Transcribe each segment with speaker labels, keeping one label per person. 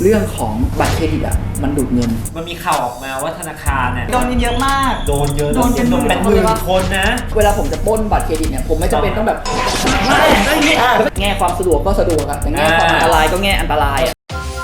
Speaker 1: เรื่องของบัตรเครดิตอ่ะมันดูดเงิน
Speaker 2: มันมีข่าวออกมาว่าธนาคารเนี่ย
Speaker 3: โดนเยอะมาก
Speaker 2: โดนเยอะเป็นหมื่นคนนะ
Speaker 1: เวลาผมจะปล้นบัตรเครดิตเนี่ยผมไม่จำเป็นต้องแบบแง่ความสะดวกก็สะดวกอะแต่แง่ความอันตรายก็แง่อันตรายอะ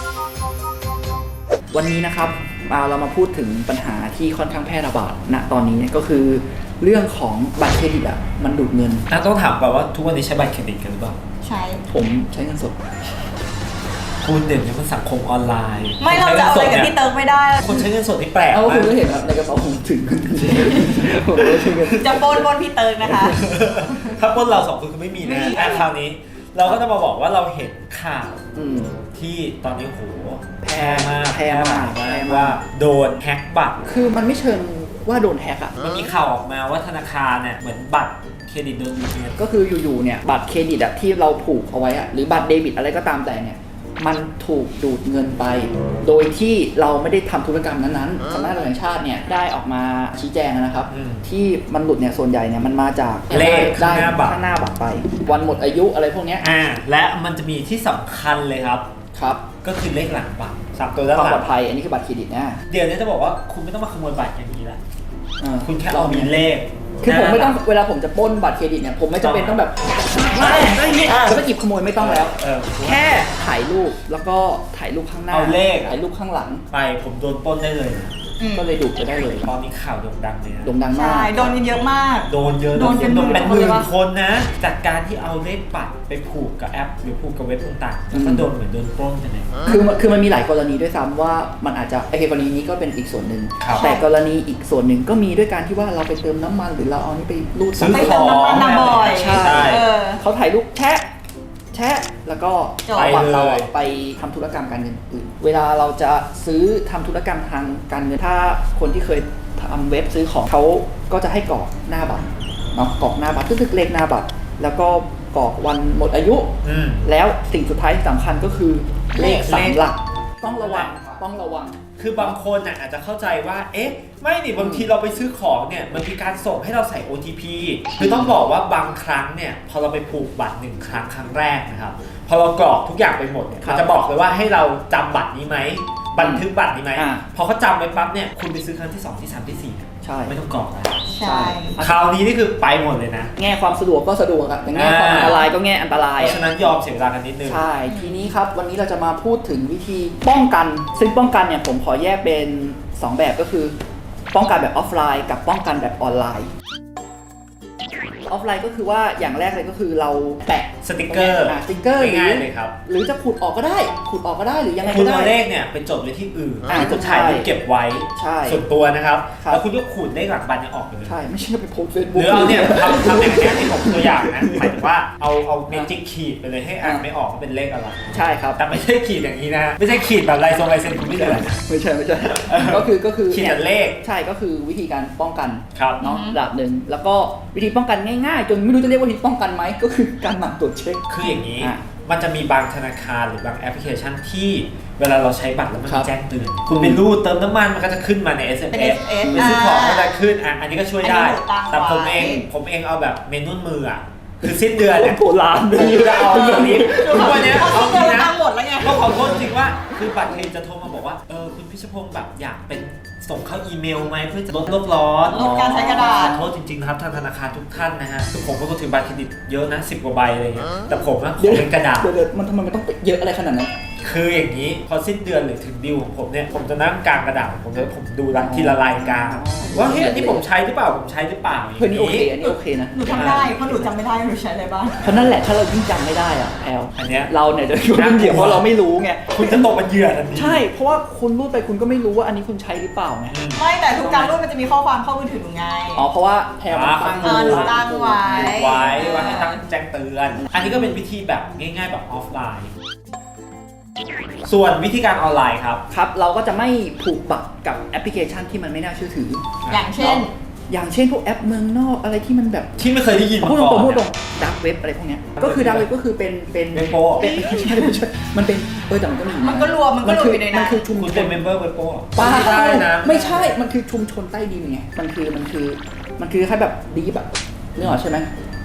Speaker 1: วันนี้นะครับเรามาพูดถึงปัญหาที่ค่อนข้างแพร่ระบาดณตอนนี้เนี่ยก็คือเรื่องของบัตรเครดิตอ่ะมันดูดเงิน
Speaker 2: ต้องถามก่อนว่าทุกวันนี้ใช้บัตรเครดิตกันหรือเปล่า
Speaker 3: ใช่
Speaker 1: ผมใช้เงินสด
Speaker 2: คุณเด่นในสังคมออนไลน์
Speaker 3: ไม่เราจะเอาอะไรกับพี่เติร์กไม่ได้
Speaker 2: คนใช้เงินสดที่แปลก
Speaker 1: มากคุณก็เห็นครับในกระเป๋าผมถึง
Speaker 3: จะปนพี่เติร์กนะคะ
Speaker 2: ถ้าปนเราสองคนคือไม่มีนะคราวนี้เราก็จะมาบอกว่าเราเห็นข่าวที่ตอนนี้โหแพร่มากว่าโดนแฮ็กบัตร
Speaker 1: คือมันไม่เชิงว่าโดนแฮ็กอ่ะ
Speaker 2: มันมีข่าวออกมาว่าธนาคารเนี่ยเหมือนบัตรเครดิตโดนดูดเงิน
Speaker 1: ก็คืออยู่ๆเนี่ยบัตรเครดิตอะที่เราผูกเอาไว้อะหรือบัตรเดบิตอะไรก็ตามแต่เนี่ยมันถูกดูดเงินไปโดยที่เราไม่ได้ทำธุรกรรมนั้นๆสำนักงานตำรวจแห่งชาติเนี่ยได้ออกมาชี้แจงนะครับที่มันหลุดเนี่ยส่วนใหญ่เนี่ยมันมาจาก
Speaker 2: เลข
Speaker 1: ได้ข้างหน้าบัตรไปวันหมดอายุอะไรพวกนี้
Speaker 2: และมันจะมีที่สำคัญเลยครับก็คือเลขหลังบัตร3 ตัวด้านหลัง
Speaker 1: ความปลอดภัยอันนี้คือบัตรเครดิตนะ
Speaker 2: เดี๋ยวนี้จะบอกว่าคุณไม่ต้องมาขโมยบัตรอย่างนี้แหละคุณแค่เอามีเลข
Speaker 1: คือผมไม่ต้องเวลาผมจะปล้นบัตรเครดิตเนี่ยผมไม่จำเป็นต้องแบบแล้วก็หยิบขโมยไม่ต้องแล้วแค่ถ่ายรูปแล้วก็ถ่ายรูปข้างหน้า
Speaker 2: เอาเลข
Speaker 1: ถ่ายรูปข้างหลัง
Speaker 2: ไปผมโดนปล้นได้เลย
Speaker 1: ก็เลยดูดไปได้เลย
Speaker 2: ตอนนี้ข่าวโด่งดังเลยนะ
Speaker 1: โด่งดังมาก
Speaker 3: ใช่โดนเยอะมาก
Speaker 2: โดนเป็นหมื่นคนนะจากการที่เอาเลขบัตรไปผูกกับแอปหรือผูกกับเว็บต่างๆแล้วก็โดนเหมือนโดนปล้นกันเลย
Speaker 1: คือมันมีหลายกรณีด้วยซ้ำว่ามันอาจจะกรณีนี้ก็เป็นอีกส่วนหนึ่งแต่กรณีอีกส่วนหนึ่งก็มีด้วยการที่ว่าเราไปเติมน้ำมันหรือเราเอานี่ไปรูด
Speaker 3: ไปเติมน้ำมันบ่อย
Speaker 1: ใช่เขาถ่ายรูปแชะแล้วก็เอาบัตรเราไปทำธุรกรรมการเงินอื่นเวลาเราจะซื้อทำธุรกรรมทางการเงินถ้าคนที่เคยทำเว็บซื้อของเขาก็จะให้กรอกหน้าบัตรเนาะกรอกหน้าบัตรคือเลขหน้าบัตรแล้วก็กรอกวันหมดอายุแล้วสิ่งสุดท้ายสำคัญก็คือเลข3 หลักต้องระวัง
Speaker 2: คือบางคนอาจจะเข้าใจว่าไม่นี่บางทีเราไปซื้อของเนี่ยมันมีการส่งให้เราใส่ OTP คือต้องบอกว่าบางครั้งเนี่ยพอเราไปผูกบัตร1 ครั้งแรกนะครับพอเรากรอกทุกอย่างไปหมดเนี่ยมันจะบอกเลยว่าให้เราจำบัตรนี้ไหมบันทึกบัตรนี้ไหมพอเขาจำไปปั๊บเนี่ยคุณไปซื้อครั้งที่2ที่3ที่4ใช่ไม่ต้องกรอกแล้ว
Speaker 3: ใช่
Speaker 2: คราวนี้นี่คือไปหมดเลยนะ
Speaker 1: แง่ความสะดวกก็สะดวกอะแต่แง่ความอันตรายก็แง่อันตราย
Speaker 2: เพราะฉะนั้นยอมเสียเวลากันนิดนึง
Speaker 1: ใช่ทีนี้ครับวันนี้เราจะมาพูดถึงวิธีป้องกันซึ่งป้องกันเนี่ยผมขอแยกเป็น2 แบบก็คือป้องกันแบบออฟไลน์กับป้องกันแบบออนไลน์ออฟไลน์ก็คือว่าอย่างแรกเลยก็คือเราแปะ
Speaker 2: สติ๊กเกอร์
Speaker 1: ง่
Speaker 2: ายเลยครับ
Speaker 1: หรือจะขูดออกก็ได้หรือยังไงก็ได้
Speaker 2: คุณเอาเลขเนี่ยไปจดไว้ที่อื่นคุณถ่ายรูปเก็บไว้ส่วนตัวนะครับแล้วคุณก็ขูดเลขหลังบัตรเนี่ยออกไปเลย
Speaker 1: ใช่ไม่ใช่ไปโพสเฟซบุ๊ก
Speaker 2: หรือเอาเนี่ยทำอย่างนี้ที่ผมตัวอย่างนะหมายถึงว่าเอาเมจิกขีดไปเลยให้อ่านไม่ออกว่าเป็นเลขอะไร
Speaker 1: ใช่ครับ
Speaker 2: แต่ไม่ใช่ขีดอย่างนี้นะไม่ใช่ขีดแบบลายเซ็นคุณไม่เลย
Speaker 1: ไม่ใช่ก็คือ
Speaker 2: ขีดเลข
Speaker 1: ใช่ก็คือวิธีการป้องกัน
Speaker 2: เนาะ
Speaker 1: ระดับหนึ่งแล้วก็วิธีป้องกันง่ายๆจนไม่รู้จะเรียกว่าวิธีป้องกันไหมก็คือการหมั่นตรวจเช็ค
Speaker 2: คืออย่างนี้มันจะมีบางธนาคารหรือบางแอปพลิเคชันที่เวลาเราใช้บัตรแล้วมันแจ้งเตือนคุณไปรูดเติมน้ำมันมันก็จะขึ้นมาใน SMS ไปซื้อของก็จะขึ้นอันนี้ก็ช่วยได้แต่ผมเองเอาแบบเมนูมือคือสิ้นเดือนเนี่ย
Speaker 1: โบราณเลย
Speaker 2: จะเอาแบบนี้ทุกวันนี้
Speaker 3: เขาเงินตั้งหมดแล้วไง
Speaker 2: ก็ขอโทษจริงว่าคือบัตรเครดิตจะโทรมาบอกว่าคุณพิชพงศ์แบบอยากเป็นส่งเข้าอีเมลไหมเพื่อจะลดโลกร้อน
Speaker 3: ลดการใช้กระดาษ
Speaker 2: ขอโทษจริงๆครับทางธนาคารทุกท่านนะฮะคือผมก็ถือบัตรเครดิตเยอะนะ10 กว่าใบอะไรเงี้ยแต่ผมนะขอเป็นกระดาษ
Speaker 1: มันทำไมมันต้องเยอะอะไรขนาดนั้น
Speaker 2: คืออย่างนี้พอสิ้นเดือนหรือถึงดิวของผมเนี่ยผมจะนั่งกลางกระดาษผมดูทีละรายการว่าเฮ้ยอันนี้ผมใช้หรือเปล่า
Speaker 1: เฮ้ยนี่โอเคนะ
Speaker 3: หนูทำได้เพราะหนูจำไม่ได้หนูใช้อะไรบ้าง
Speaker 1: เพราะนั่นแหละถ้าเรายิ่งจำไม่ได้อะแอล
Speaker 2: อันเนี้ย
Speaker 1: เราเนี่ยจะยุ่งเหยิงเพราะเราไม่รู้ไง
Speaker 2: คุณจะตกเป็นเหยื่อทันที
Speaker 1: ใช่เพราะว่าคุณรูดไปคุณก็ไม่รู้ว่าอันนี้คุณใช้หรือเปล่าไง
Speaker 3: ไม่แต่ทุกการรูดมันจะมีข้อความเข้ามือถือไง
Speaker 1: เพราะว่าแพลมันตั้ง
Speaker 3: ไว้
Speaker 2: ว่าให้ตั้งแจ้งเตือนอันนี้ก็เป็นวิธีแบบง่ายๆแบบออฟไลน์ส่วนวิธีการออนไลน์ครับ
Speaker 1: เราก็จะไม่ผูกบัตรกับแอปพลิเคชันที่มันไม่น่าเชื่อถือ
Speaker 3: อย่างเช่น
Speaker 1: พวกแอปเมืองนอกอะไรที่มันแบบ
Speaker 2: ที่ไม่เคยได้ยินมา
Speaker 1: ก่อนพูดตรงดักเว็บอะไรพวกนี้ก็คือดักเว็บก็คือเป็น
Speaker 2: โป
Speaker 1: ไม่ใช่มันเป็นแต่มันก็มี
Speaker 3: มันก็รวมอยู่ในนั้น
Speaker 1: มันคือชุมชน
Speaker 2: เป็นเมมเบอร์เว็บโป
Speaker 1: ไม่ใช่มันคือชุมชนใต้ดินไงมันคือแค่แบบดีแบบนึกออกใช่ไหม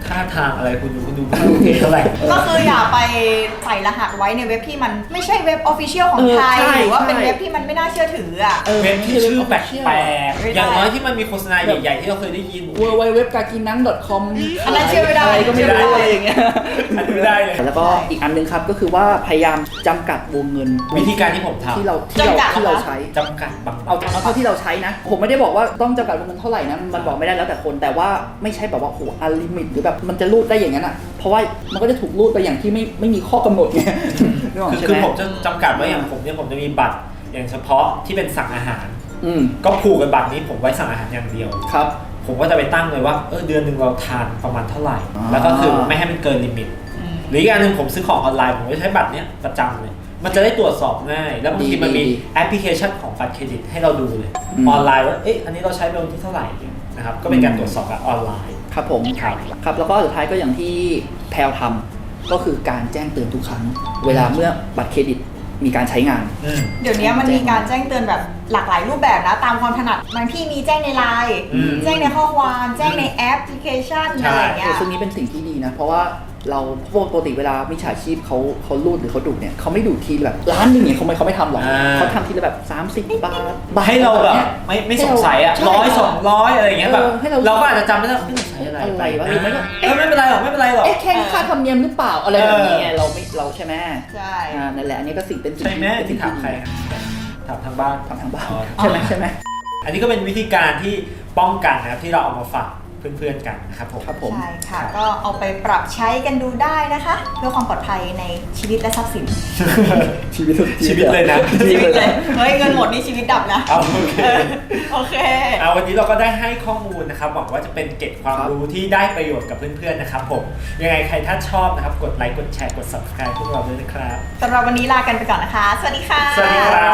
Speaker 2: ท่าทางอะไรคุณดูไม่โอเคเท่าไหร่
Speaker 3: ก็คืออย่าไปใส่รหัสไว้ในเว็บที่มันไม่ใช่เว็บออฟฟิเชียลของไทย หรือว่าเป็นเว็บที่มันไม่น่าเชื่อถืออ่ะ
Speaker 2: เว็บที่ชื่อแปลก
Speaker 3: ไม่
Speaker 2: ๆ
Speaker 3: ได้
Speaker 2: อย่างน้อยที่มันมีโฆษณาใหญ่ๆที่เราเคยได้ยิน
Speaker 1: www.gakinan.com
Speaker 3: อันนั้นเชื่อไม่ได้
Speaker 1: อะไรก็ไม่รู้อะไรอย่างเงี้ย
Speaker 2: อันนี้ไม่ได้เลย
Speaker 1: แล้วก็อีกอันนึงครับก็คือว่าพยายามจำกัดวงเงิน
Speaker 2: วิธีการที่ผมทำ
Speaker 1: ที่เรา
Speaker 3: จำกัดเหรอคะ
Speaker 1: ที่เราใช้
Speaker 2: จำกัดบาง
Speaker 1: เอาเท่าที่เราใช้นะ ผมไม่ได้บอกว่าต้องจำกัดวงเงินเท่าไหร่นะมันบอกไม่ได้แล้วแต่คนแต่ว่าไม่ใช่แบบว่าโหอัลลิมิตหรือแบบมันจะรูดได้อย่างนั้นอ่ะเพราะว่ามันก็จะถูกรูดไปอย่างที่ไม่มีข้อกำหนดไงนึกออกใช่ไหม
Speaker 2: คือผมจะจำกัดว่าอย่างผมเนี่ยผมจะมีบัตรอย่างเฉพาะที่เป็นสั่งอาหาร
Speaker 1: อืม
Speaker 2: ก็ผูกกับบัตรนี้ผมไว้สั่งอาหารอย่างเดียว
Speaker 1: ครับ
Speaker 2: ผมก็จะไปตั้งเลยว่าเดือนหนึ่งเราทานประมาณเท่าไหร่
Speaker 1: อ่า
Speaker 2: แล้วก็คือไม่ให้มันเกินลิมิตหรืออีกอย่างหนึ่งผมซื้อของออนไลน์ผมก็ใช้บัตรเนี้ยประจำเลยมันจะได้ตรวจสอบง่าย แล้วบางทีมันมีแอปพลิเคชันของบัตรเครดิตให้เราดูเลยออนไลน์ว่าอันนี้เราใช้ไปวันที่เท่าไหร่นะครับก็เป็นการตรวจสอบแบบออนไลน์
Speaker 1: ครับผม
Speaker 2: ครับ
Speaker 1: ครับแล้วก็สุดท้ายก็อย่างที่แพลวทำก็คือการแจ้งเตือนทุกครั้ง เวลาเมื่อบัตรเครดิตมีการใช้งาน
Speaker 3: เดี๋ยวนี้มันมีการแจ้งเตือนแบบหลากหลายรูปแบบนะตามความถนัดบางที่มีแจ้งในไลน์แจ้งในข้อความแจ้งในแอปพลิเคชันอะไรอย่างเงี้ย
Speaker 1: ซึ่งนี้เป็นสิ่งที่ดีนะ เพราะว่าเราปกติเวลามิจฉาชีพเขารูดหรือเขาดูดเนี่ยเขาไม่ดูดทีแบบล้านหนึงเนี่ยเขาไม่ทำหรอก
Speaker 2: อ่า
Speaker 1: เขาทำทีละแบบ30 บาท
Speaker 2: ให้เราแบบ
Speaker 1: นี่ย
Speaker 2: ไม่สงสัยอ่ะ
Speaker 1: ใช่
Speaker 2: 100-200อะไรอย่างเงี้ยแบบ
Speaker 1: ให้เรา
Speaker 2: เราก็อาจจะจำไม่ได้ว่าใช้อะไร
Speaker 1: อะไรวะหรือไม่ก็
Speaker 2: ไม่เป็นไรหรอกไม่เป็นไรหรอก
Speaker 1: แค่ค่าธรรมเนียมหรือเปล่าอะไรแบบนี้ไงเราใช่ไหม
Speaker 3: ใช่
Speaker 1: นั่นแหละอันนี้ก็เป็นสิ่ง
Speaker 2: ใช่ไหมที่ถามใครถามทางบ้าน
Speaker 1: ทำทางบ้าน
Speaker 2: อ๋อ
Speaker 1: ใช่ไหม
Speaker 2: อันนี้ก็เป็นวิธีการที่ป้องกันนะครับที่เราเอามาฝากเพื่อนๆกันนะครับผม
Speaker 1: ครับผม
Speaker 3: ใช่ค่ะ ก็เอาไปปรับใช้กันดูได้นะคะ เพื่อความปลอดภัยในชีวิตและทรัพย์สิน
Speaker 1: ชีวิต
Speaker 2: ชีวิตเลยนะ
Speaker 3: ชีวิตเลยเฮ้ยเงินหมดนี่ชีวิตดับนะ
Speaker 2: เอาโอเค
Speaker 3: โอเค
Speaker 2: เอาวันนี้เราก็ได้ให้ข้อมูลนะครับหวังว่าจะเป็นเกร็ดความรู้ที่ได้ประโยชน์กับเพื่อนๆนะครับผมยังไงใครถ้าชอบนะครับกดไลค์กดแชร์กด subscribe พวกเราด้วยนะครับ
Speaker 3: สำหรับวันนี้ลากันไปก่อนนะคะ สวัสดีค่ะ
Speaker 2: สวัสดีครับ